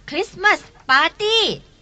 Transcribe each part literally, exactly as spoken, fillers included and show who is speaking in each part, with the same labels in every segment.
Speaker 1: คริสต์มาสปาร์ตี้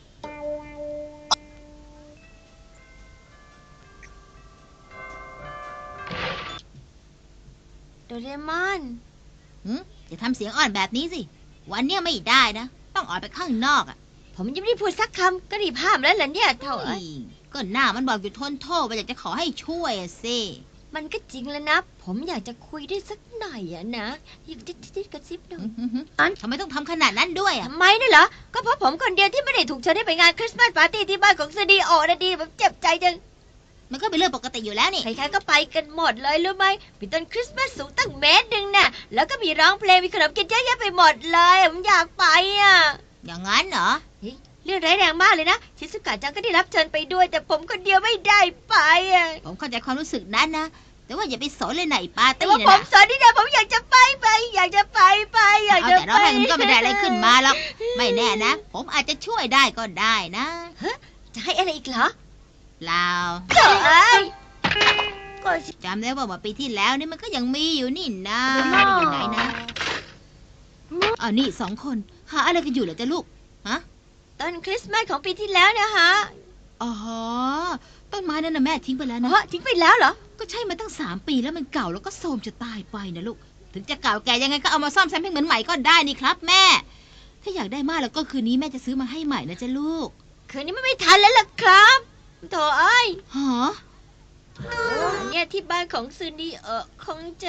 Speaker 1: โดเรมอน
Speaker 2: หืมอย่าทำเสียงอ่อนแบบนี้สิวันเนี้ยไม่ได้นะต้องออกไปข้างนอกอ่ะ
Speaker 1: ผมยังไม่ได้พูดสักคำก็รีบห้ามแล้วเหรอเนี่ยเท่าเอ้ย
Speaker 2: ก็หน้ามันบอกอยู่ทนโทษว่าอยากจะขอให้ช่วยสิ
Speaker 1: มันก็จริงแล้วนะผมอยากจะคุยด้วยสักหน่อยอะนะยิบจิ๊ดจิ๊ดกระซิบหน่อย
Speaker 2: ทำไมต้องทำขนาดนั้นด้วยอ่ะ
Speaker 1: ทำไมน่ะเหรอก็เพราะผมคนเดียวที่ไม่ได้ถูกเชิญให้ไปงานคริสต์มาสปาร์ตี้ที่บ้านของซีดีโอนะดีแบบเจ็บใจจัง
Speaker 2: มันก็เป็นเรื่องปกติอยู่แล้วนี่
Speaker 1: ใครๆก็ไปกันหมดเลยรู้ไหมมีต้นคริสต์มาสสูงตั้งเมตรหนึ่งน่ะแล้วก็มีร้องเพลงมีขนมกินเยอะแยะไปหมดเลยผมอยากไปอ่ะ
Speaker 2: อย่างนั้นเหรอ
Speaker 1: เรื่องร้ายแรงมากเลยนะชิซุกะจังก็ได้รับเชิญไปด้วยแต่ผมคนเดียวไม่ได้ไปอ่ะ
Speaker 2: ผมเข้าใจความรู้สึกนั้นนะแต่ว่าอย่าไปสนเลยไหนปาร์ตี้
Speaker 1: นะแต่ว่าผมสนนี่นะผมอยากจะไปไปอยากจะไปไปอยากจะไป
Speaker 2: แต่เราให้มันก็ไม่ได้อะไรขึ้นมาหรอกไม่แน่นะผมอาจจะช่วยได้ก็ได้นะ
Speaker 1: ฮะจะให้อะไรอีกเหรอ
Speaker 2: เปล่า
Speaker 1: เฮ้ย
Speaker 2: ก็จำได้ว่าเมื่อปีที่แล้วนี่มันก็ยังมีอยู่นี่นะอยู่ไหนนะอ๋อนี่สองคนหาอะไรกันอยู่เหรอจ๊ะลูกฮะ
Speaker 1: ต้นคริสต์มาสของปีที่แล้วนะฮะ
Speaker 2: อ๋อต้นไม้นั่นนะแม่ทิ้งไปแล้วนะ
Speaker 1: ฮะทิ้งไปแล้วเหรอ
Speaker 2: ก็ใช่มาตั้งสามปีแล้วมันเก่าแล้วก็โทรมจะตายไปนะลูกถึงจะเก่าแก่ยังไงก็เอามาซ่อมแซมให้เหมือนใหม่ก็ได้นี่ครับแม่ถ้าอยากได้มากแล้วก็คืนนี้แม่จะซื้อมาให้ใหม่นะจ๊ะลูก
Speaker 1: คืนนี้ไม่ทันแล้วล่ะครับโถเอ้ย
Speaker 2: ฮะ
Speaker 1: เนี่ยที่บ้านของซูนีเออคงจะ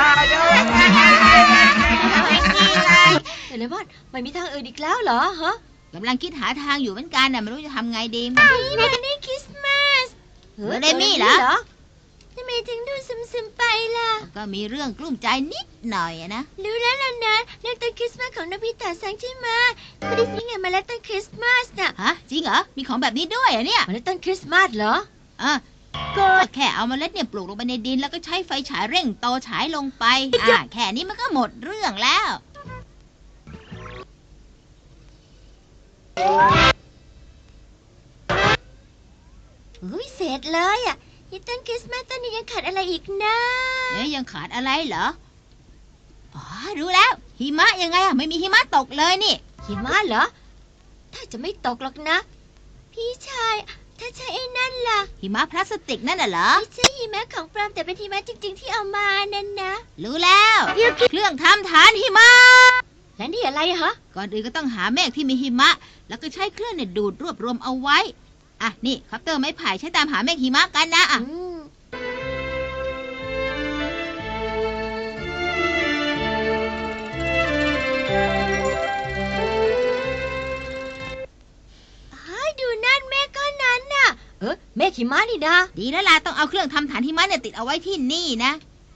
Speaker 1: เดี๋ยวเลยว่าไม่มีทางอื่นอีกแล้วเหรอฮะ
Speaker 2: กำลังคิดหาทางอยู่เหมือนกันน่ะไม่รู้จะทำไงดี
Speaker 1: นี่นะนี่คริสต์มาส
Speaker 2: เออได้มี่เหรอ
Speaker 1: ทำไมถึงดูซึมๆไปล่ะ
Speaker 2: ก็มีเรื่องกลุ้มใจนิดหน่อยนะ
Speaker 1: รู้แล้วล่ะนะเรื่องต้นคริสต์มาสของนบิตะซังใช่ไหมไม่ได้ซื้อไงมาแล้วต้นคริสต์มาสน่ะ
Speaker 2: ฮะจริงเหรอมีของแบบนี้ด้วยอ่ะเนี่ย
Speaker 1: มาแล้วต้นคริสต์มาสเหรอ
Speaker 2: อ่ะก็แค่เอาเมล็ดเนี่ยปลูกลงไปในดินแล้วก็ใช้ไฟฉายเร่งโตฉายลงไปอ่ะแค่นี้มันก็หมดเรื่องแล้ว
Speaker 1: เฮ้ยเสร็จเลยอ่ะนี่ต้นคริสต์มาสต้นนี้ยังขาดอะไรอีกนะ
Speaker 2: เอ๊ยยังขาดอะไรเหรออ๋อรู้แล้วหิมะยังไงอ่ะไม่มีหิมะตกเลยนี่
Speaker 1: หิมะเหรอถ้าจะไม่ตกหรอกนะพี่ชายถ้าใช่ไอ้นั่นล่ะ
Speaker 2: หิมะพลาสติกนั่นน่ะเหรอ
Speaker 1: ไม่ใช่หิมะของปลอมแต่เป็นหิมะจริงๆที่เอามานั่นนะ
Speaker 2: รู้แล้วเครื่องทำฐานหิมะ
Speaker 1: แล้วนี่อะไรฮะ
Speaker 2: ก่อนอื่นก็ต้องหาเมฆที่มีหิมะแล้วก็ใช้เครื่องเนี่ยดูดรวบรวมเอาไว้อ่ะนี่คอปเตอร์ไม้ไผ่ใช้ตามหาเมฆหิมะกันนะอ่ะ
Speaker 1: ดูนั่นเมฆก้อนนั้นน่ะเออเมฆหิมะนี่นะ
Speaker 2: ดีแล้วล่ะต้องเอาเครื่องทำฐานหิมะเนี่ยติดเอาไว้ที่นี่นะ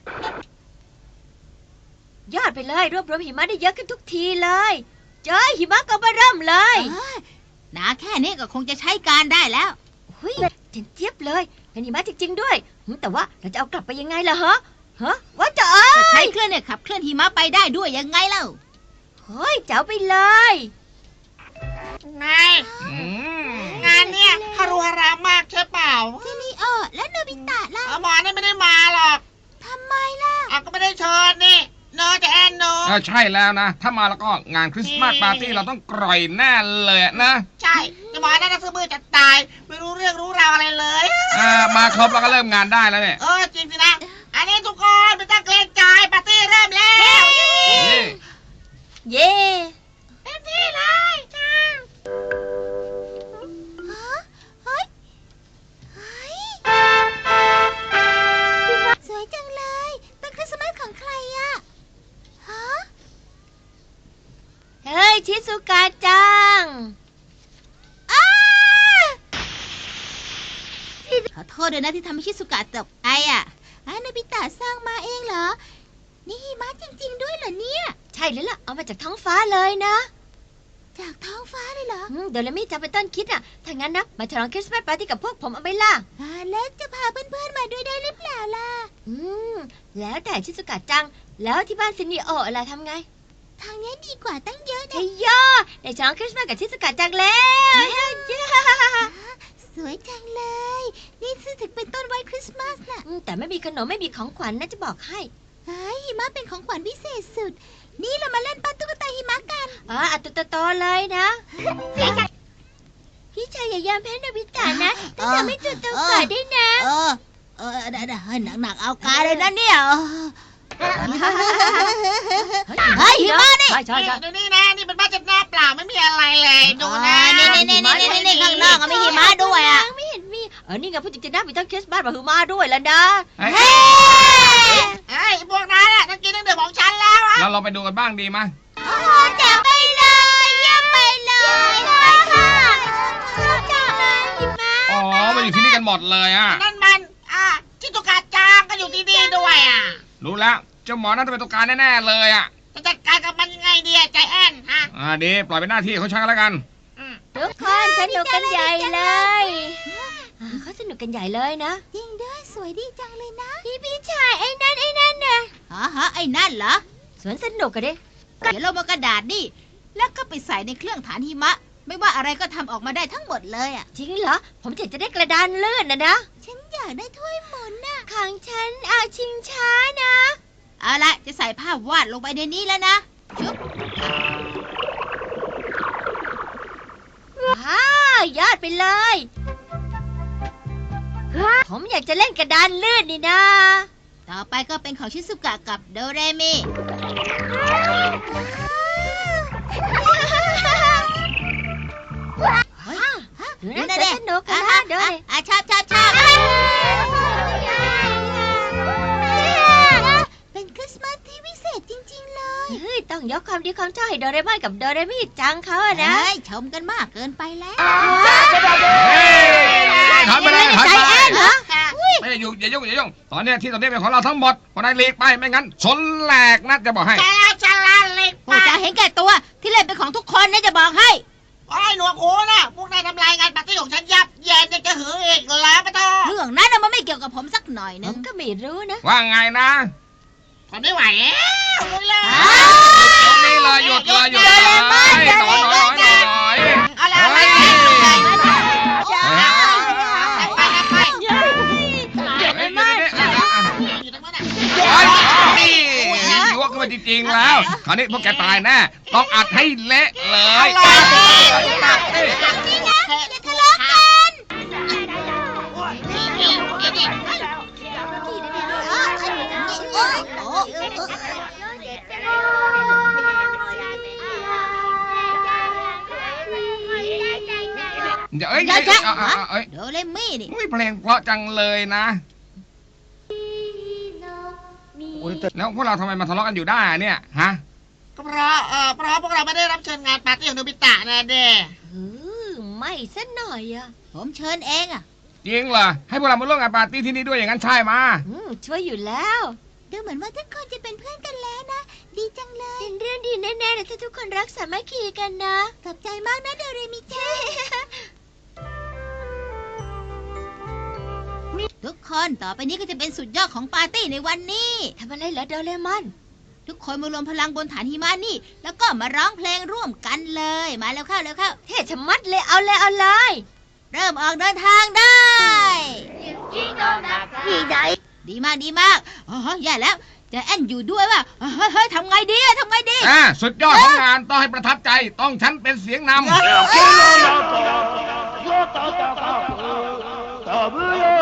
Speaker 1: ยอดไปเลยรวบรวมหิมะได้เยอะขึ้นทุกทีเลยเจอหิมะก็มาเริ่มเลย
Speaker 2: หนาแค่นี้ก็คงจะใช้การได้แล้ว
Speaker 1: เฮ้ยเจ๋งเจี๊ยบเลยเป็นหิมะจริงๆด้วยแต่ว่าเราจะเอากลับไปยังไงล่ะฮะฮะว่าจะเอ้
Speaker 2: ยใช้เครื่องเนี่ยขับเคลื่อนหิมะไปได้ด้วยยังไงเล่า
Speaker 1: เฮ้ยเจ๋าไปเลย
Speaker 3: นายงานเนี่ยฮารุฮารามากใช่เปล่า
Speaker 2: ซีนีโอแล้วโนบิตะล่ะ
Speaker 3: หมอนี่ไม่ได้มาหรอก
Speaker 2: ทำไมล่ะ
Speaker 3: อ่ะก็ไม่ได้เชิญนี่โนจะแอนโน
Speaker 4: เออใช่แล้วนะถ้ามาแล้วก็งานคริสต์มาสปาร์ตี้เราต้องกร่อยแน่เลยนะ
Speaker 3: ใช่แต่หมอนั่นซื้อมือจะตายไม่รู้เรื่องรู้ราวอะไรเลย
Speaker 4: อ่ามาครบแล้วก็เริ่มงานได้แล้วเนี่ย
Speaker 3: เออจริงสินะอันนี้ทุกคนไม่ต้องเกรงใจปาร์ตี้เริ่มแล้ว
Speaker 1: เย้
Speaker 3: เต็มที่เลยจ้า
Speaker 2: สวยจังเลยเป็นคริสต์มาสของใครอะฮะ
Speaker 1: เฮ้ยชิซุกะจัง
Speaker 2: อ้าขอโทษด้วยนะที่ทำให้ชิซุกะตกใจอะอ่ะโนบิตะสร้างมาเองเหรอนี่หิมะจริงๆด้วยเหรอเนี่ย
Speaker 1: ใช่แล้วล่ะเอามาจากท้องฟ้าเลยนะ
Speaker 2: จากท้องฟ้าเลยเหรอ
Speaker 1: เดี๋ยวแล้วมี่จะไปต้นคิดอ่ะถ้างั้นนะมาฉลองคริสต์มาสปาร์ตี้กับพวกผมเอาไหมล่ะ
Speaker 2: แล้วจะพาเพื่อนๆมาด้วยได้หรือเปล่าล่ะ
Speaker 1: อืมแล้วแต่ชิซุกะจังแล้วที่บ้านซินนิโออะไรทำไง
Speaker 2: ทางนี้ดีกว่าตั้งเยอะนะ
Speaker 1: ใช่ย่อได้ฉลองคริสต์มาสกับชิซุกะจังแล้ว
Speaker 2: สวยจังเลยนี่ถึงเป็นต้นไว้คริสต์มาสน่ะ
Speaker 1: แต่ไม่มีขนมไม่มีของขวัญนะจะบอกให้
Speaker 2: หิมะเป็นของขวัญพิเศษสุดนี่เรามาเล่นปาตุ๊กตาหิมะกัน
Speaker 1: อ๋ออัตโตโตเลยนะพี่ชายอย่ายอมแพ้โนบิตะนะต้องทำให้ตัวโตกว่าด้วยนะ
Speaker 2: เออ เออได้ได้ให้หนักๆเอากาเลยนะเนี่ยเฮ้ยหิมะนี่
Speaker 1: ใช่ใช่ใช่
Speaker 3: ดูนี่นะนี่เป็นบ้านจัดหน้าเปล่าไม่มีอะไรเลยดูนะ
Speaker 2: นี่นี่นี่นี่นี่นี่ข้างนอกก็มีหิมะด้วยอ่ะ
Speaker 1: ไม่เห็นมีเออนี่ไงพูดจริงๆนะมีต้นคริสต์มาสมาฮือมาด้วยแล้วนะ
Speaker 4: เฮ้ย
Speaker 2: เฮ้ย
Speaker 3: ไอ้พวกนั้นน่ะต้องกินตั้งแต่ของฉันแล้วอะ
Speaker 4: เราลองไปดูกันบ้างดีมั้ย
Speaker 2: โอ้โหแจ๋วไปเลยเยี่ยมไปเลยชอบจังเลยหิมะ
Speaker 4: อ๋อมาอยู่ที่นี่กันหมดเลยอ่ะ
Speaker 3: นั่นมันอ่ะชิตุกะจางก็อยู่ที่นี่ด้วยอ่ะ
Speaker 4: รู้แล้วเจ้าหมอน่าจะเป็นตัวการแน่ๆเลยอ่ะ
Speaker 3: จะจัดการกับมันยังไงดีอะใจแอนฮะ
Speaker 4: อ่าดีปล่อยเป็นหน้าที่ของฉันก็แล้วกัน
Speaker 3: อืม
Speaker 1: ทุกคนสนุกกันใหญ่เลยอ่าเขาสนุกกันใหญ่เลยนะ
Speaker 2: จริงด้วยสวยดีจังเลยนะ
Speaker 1: พี่พี่ชายไอ้นั่นไอ้นั่นน่ะ
Speaker 2: ฮะฮะไอ้นั่นเหรอ
Speaker 1: สวนสนุกกันดิ
Speaker 2: เดี๋ยวเรามากระดาษนี่แล้วก็ไปใส่ในเครื่องฐานหิมะ ไม่ว่าอะไรก็ทำออกมาได้ทั้งหมดเลยอ่ะ
Speaker 1: จริงเหรอผมอยากจะได้กระดานเลื่อนนะนะ
Speaker 2: ฉันอยากได้ถ้วยหมุนน่ะ
Speaker 1: ของฉันอาชิงช้านะ
Speaker 2: เอาละจะใส่ภาพวาดลงไปในนี้แล้วนะชุบ
Speaker 1: ว้าวยอดไปเลย ผมอยากจะเล่นกระดานเลื่อนนี่นะ
Speaker 2: ต่อไปก็เป็นของชิซุกะกับโดเรมิ เฮ้ย
Speaker 1: ดูน่าจะสนุกกันนะเดี๋ยวดิ
Speaker 2: อ่ะชอบชอบชอบเป็นคริสต์มาสที่วิเศษจริงๆเลย
Speaker 1: เฮ้ยต้องยกความดีความชอบให้โดเรมอนกับโดเรมิจังเขาอะนะ
Speaker 2: เฮ้ยชมกันมากเกินไปแล้ว
Speaker 4: เฮ้ยถอยไปเลยถอย
Speaker 1: ใจ
Speaker 4: ไป
Speaker 1: แอนเหรอ
Speaker 3: ค่ะ
Speaker 4: ไม่อย่ายุ่งอย่ายุ่งอย่ายุ่งตอนเนี้ยที่ตรงนี้เป็นของเราทั้งหมดคนไหนหลีกไปไม่งั้นชนแหลกนะจะบอกให้
Speaker 3: ใช่แล้วฉลาดเล็ก
Speaker 2: โอ้จะเห็นแก่ตัวที่เล่นเป็นของทุกคนนะจะบอกให้
Speaker 3: โอ้ยหนวกหูนะพวกนายทำลายงานปาร์ตี้ของฉันยับเย็นยังจะหืออีกแล้วปะโต
Speaker 2: เรื่องนั้นน่ะมันไม่เกี่ยวกับผมสักหน่อย
Speaker 1: ผ
Speaker 2: นึ
Speaker 1: ม
Speaker 2: ง
Speaker 1: ก็ไม่รู้นะ
Speaker 4: ว่าไงนะ
Speaker 3: ทนไม่ไหวแล้วลุยเลย
Speaker 4: ตรงนี้เลยหยุดเลยหยุดเลยหน่อยหน่อยหน่อยหน่อย
Speaker 3: เอาละเอาละ
Speaker 4: เฮ้ย
Speaker 3: ไปไป
Speaker 1: เย้เดี๋ยวไม่ไม่
Speaker 3: อยู่ตรงนั้นน่ะ
Speaker 4: ไอ้นี่ยั่วขึ้นมาจริงๆแล้ว คราวนี้พวกแกตายแน่ ต้องอัดให้เละเลยตัดสิ
Speaker 3: นี่นะอย่าทะเลาะกันนี่นี่นี่นี่
Speaker 4: เดี๋ยวเอ้ย
Speaker 2: เดี๋ยวจะ
Speaker 4: เอ้ยเอ้ยเอ้ย
Speaker 2: โดเรมินี่
Speaker 4: อุ้ยเพลงเพราะจังเลยนะแล้วพวกเราทำไมมาทะเลาะกันอยู่ได้อะเนี่ยฮะ
Speaker 3: ก็เพราะเออเพราะพวกเราไม่ได้รับเชิญงานปาร์ตี้ของโนบิตะนะเด้
Speaker 1: เออไม่สักหน่อยอะ
Speaker 2: ผมเชิญเองอ่ะ
Speaker 4: จริงเหรอให้พวกเรามาร่วมงานปาร์ตี้ที่นี่ด้วยอย่างนั้นใช่มา
Speaker 1: อืมช่วยอยู่แล้ว
Speaker 2: ดูเหมือนว่าทุกคนจะเป็นเพื่อนกันแล้วนะ ดีจังเลย
Speaker 1: เป็นเรื่องดีแน่ๆเลยถ้าทุกคนรักสามัคคีกันนะ
Speaker 2: ขอบใจมากนะโดเรมิจ้าทุกคนต่อไปนี้ก็จะเป็นสุดยอดของปาร์ตี้ในวันนี้
Speaker 1: ทำอะไรเหรอโดเรมอน
Speaker 2: ทุกคนมารวมพลังบนฐานหิมะนี่ แล้วก็มาร้องเพลงร่วมกันเลย มาแล้วเข้าแล้วเข้า
Speaker 1: เท่ชะมัดเลยเอาเลยเอาเลย
Speaker 2: เริ่มออกเดินทางได้ ดีมากดีมากอ๋อแย่แล้วใจะแอนอยู่ด้วยว่ะเฮ้ยเฮ้ยทำไงดีอะทำไงดี
Speaker 4: อ่าสุดยอดของงานต้องให้ประทับใจต้องฉันเป็นเสียงนำ
Speaker 5: ダブル